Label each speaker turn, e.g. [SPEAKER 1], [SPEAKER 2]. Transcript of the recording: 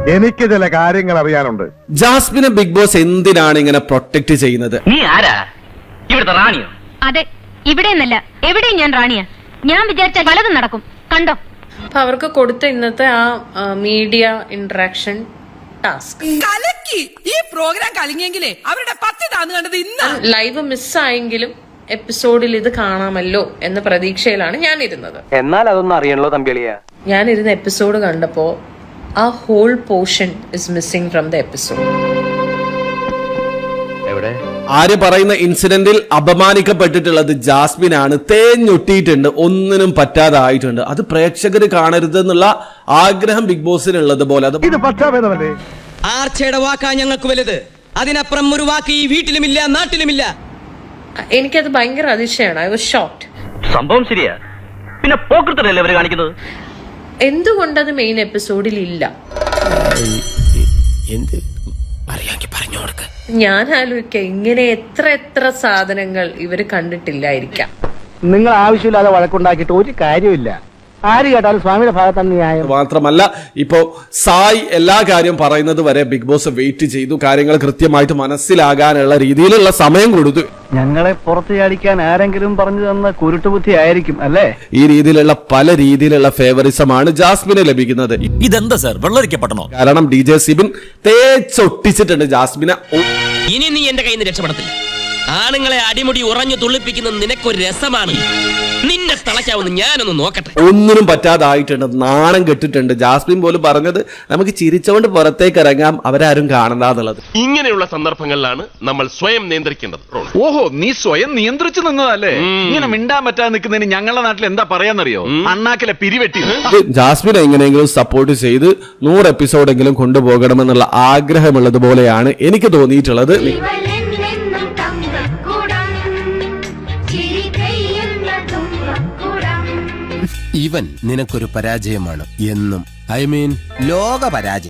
[SPEAKER 1] എനിക്ക് ചില കാര്യങ്ങൾ അറിയാനുണ്ട്.
[SPEAKER 2] ജാസ്മിനെ ബിഗ് ബോസ് എന്തിനാണ് ഇങ്ങനെ പ്രൊട്ടക്ട് ചെയ്യുന്നത്?
[SPEAKER 3] നീ ആരാ? ഇവിടുത്തെ റാണിയോ?
[SPEAKER 4] അതെ, ഇവിടെ എന്നല്ല എവിടെയും ഞാൻ റാണിയാ. ഞാൻ വിചാരിച്ച പലതും നടക്കും, കണ്ടോ.
[SPEAKER 5] അപ്പൊ അവർക്ക് കൊടുത്ത ഇന്നത്തെ ആ മീഡിയ ഇന്ററാക്ഷൻ ടാസ്ക്
[SPEAKER 6] ഈ പ്രോഗ്രാം കളിഞ്ഞെങ്കിലേ അവരുടെ 10 താന്ന് കണ്ടത് ഇന്ന്.
[SPEAKER 5] ലൈവ് മിസ്സായെങ്കിലും എപ്പിസോഡിൽ ഇത് കാണാമല്ലോ എന്ന പ്രതീക്ഷയിലാണ് ഞാൻ ഇരുന്നത്.
[SPEAKER 3] എന്നാൽ അതൊന്നും അറിയണല്ലോ തമ്പിളിയ.
[SPEAKER 5] ഞാൻ ഇരുന്ന എപ്പിസോഡ് കണ്ടപ്പോ ആ whole portion is missing from the episode.
[SPEAKER 2] ആര് പറയുന്ന ഇൻസിഡന്റിൽ അപമാനിക്കപ്പെട്ടിട്ടുള്ളത് ജാസ്മിനാണ്. തേഞ്ഞൊട്ടിയിട്ടുണ്ട്, ഒന്നിനും പറ്റാതായിട്ടുണ്ട്. അത് പ്രേക്ഷകർ കാണരുത് എന്നുള്ള ആഗ്രഹം ബിഗ് ബോസിനുള്ളത് പോലെ
[SPEAKER 1] ഇത് പക്ഷാഭേദമല്ലേ?
[SPEAKER 7] ആർച്ചയുടെ വാക്കാ ഞങ്ങൾക്ക് വലുത്. അതിനപ്പുറം ഒരു വാക്ക് ഈ വീട്ടിലുമില്ല, നാട്ടിലുമില്ല.
[SPEAKER 5] എനിക്കത് ഭയങ്കര അതിശയാണ്. I was shocked.
[SPEAKER 3] സംഭവം ശരിയാ, പിന്നെ പോക്കൃത്തല്ലേ അവര് കാണിക്കുന്നത്?
[SPEAKER 5] എന്തുകൊണ്ടത് മെയിൻ എപ്പിസോഡിൽ ഇല്ല? ഞാൻ ആലോചിക്ക, ഇങ്ങനെ എത്ര സാധനങ്ങൾ ഇവര് കണ്ടിട്ടില്ലായിരിക്കാം.
[SPEAKER 8] നിങ്ങൾ ആവശ്യമില്ലാതെ വഴക്കുണ്ടാക്കിയിട്ട് ഒരു കാര്യമില്ല. ആര് കേട്ടാലും സ്വാമിയുടെ ഭാഗത്താണ് ന്യായം.
[SPEAKER 2] മാത്രമല്ല, ഇപ്പോ സായി എല്ലാ കാര്യം പറയുന്നത് വരെ ബിഗ് ബോസ് വെയിറ്റ് ചെയ്തു. കാര്യങ്ങൾ കൃത്യമായിട്ട് മനസ്സിലാകാനുള്ള രീതിയിലുള്ള സമയം കൊടുത്തു.
[SPEAKER 8] ഞങ്ങളെ പുറത്ത് ചാടിക്കാൻ ആരെങ്കിലും പറഞ്ഞു തന്ന കുരുട്ടുബുദ്ധി ആയിരിക്കും അല്ലേ?
[SPEAKER 2] ഈ രീതിയിലുള്ള പല രീതിയിലുള്ള ഫേവറിസമാണ് ജാസ്മിന് ലഭിക്കുന്നത്.
[SPEAKER 7] ഇതെന്താ സാർ, വെള്ളരിക്കപ്പെടണോ?
[SPEAKER 2] കാരണം DJ സിബിൻ തേച്ചൊട്ടിച്ചിട്ടുണ്ട് ജാസ്മിനെ.
[SPEAKER 7] ഇനി നീ എന്റെ കയ്യിൽ നിന്ന് രക്ഷപ്പെടത്തില്ല. ആണുങ്ങളെ അടിമുടി ഉറഞ്ഞു തുള്ളിപ്പിക്കുന്നത് നിനക്കൊരു രസമാണ്. നിന്നെ തളയ്ക്കാവുന്ന ഞാനൊന്ന് നോക്കട്ടെ.
[SPEAKER 2] ഒന്നിനും പറ്റാതായിട്ടുണ്ട്, നാണം കെട്ടിട്ടുണ്ട്. ജാസ്മിൻ പോലും പറഞ്ഞത് നമുക്ക് ചിരിച്ചുകൊണ്ട് പുറത്തേക്ക് ഇറങ്ങാം, അവരാരും കാണണ്ടെന്നുള്ളത്.
[SPEAKER 9] ഇങ്ങനെയുള്ള സന്ദർഭങ്ങളിലാണ് നമ്മൾ സ്വയം നിയന്ത്രിക്കേണ്ടത്.
[SPEAKER 10] ഓഹോ, നീ സ്വയം നിയന്ത്രിച്ചു നിന്നതല്ലേ? ഇങ്ങനെ മിണ്ടാൻ പറ്റാതെ നിൽക്കുന്നതിന് ഞങ്ങളുടെ നാട്ടിൽ എന്താ പറയാന്നറിയോ? അണ്ണാക്കിലെ പിരിവെട്ടി.
[SPEAKER 2] ജാസ്മിനെ എങ്ങനെയെങ്കിലും സപ്പോർട്ട് ചെയ്ത് 100 എപ്പിസോഡെങ്കിലും കൊണ്ടുപോകണമെന്നുള്ള ആഗ്രഹമുള്ളതുപോലെയാണ് എനിക്ക് തോന്നിയിട്ടുള്ളത്.
[SPEAKER 7] ഇവൻ നിനക്കൊരു പരാജയമാണ് എന്നും. ഐ മീൻ ലോക പരാജയം.